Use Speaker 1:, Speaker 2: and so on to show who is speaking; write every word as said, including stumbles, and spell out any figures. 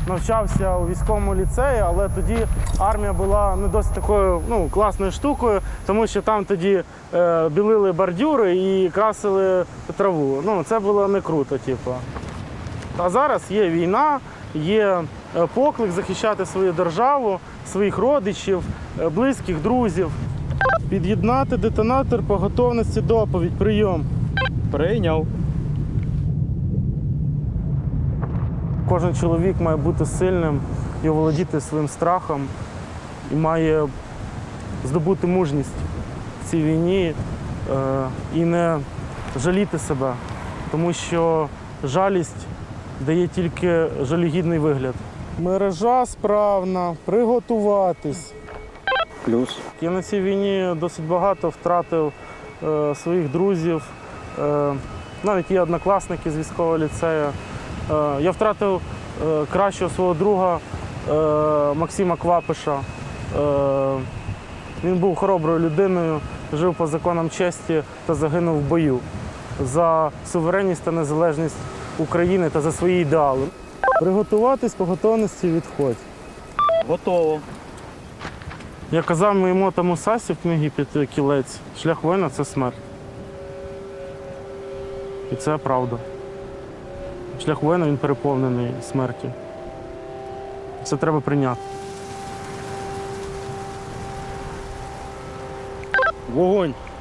Speaker 1: навчався у військовому ліцеї, але тоді армія була не досить такою ну, класною штукою, тому що там тоді е, білили бордюри і красили траву. Ну, це було не круто, типу. А зараз є війна, є поклик захищати свою державу, своїх родичів, близьких, друзів. Під'єднати детонатор по готовності доповідь. Прийом.
Speaker 2: Прийняв.
Speaker 1: Кожен чоловік має бути сильним і оволодіти своїм страхом, і має здобути мужність в цій війні е, і не жаліти себе, тому що жалість дає тільки жалюгідний вигляд. Мережа справна, приготуватись.
Speaker 2: Плюс.
Speaker 1: Я на цій війні досить багато втратив е, своїх друзів, е, навіть є однокласники з військового ліцею. Е, я втратив е, кращого свого друга е, Максима Квапиша. Е, він був хороброю людиною, жив по законам честі та загинув в бою за суверенність та незалежність України та за свої ідеали. Приготуватись по готовності відходь.
Speaker 2: Готово.
Speaker 1: Я казав моєму тому Сасі в книгі «П'яти кілець», шлях воїна – це смерть. І це правда. Шлях воїна, він переповнений смертю. Це треба прийняти.
Speaker 2: Вогонь.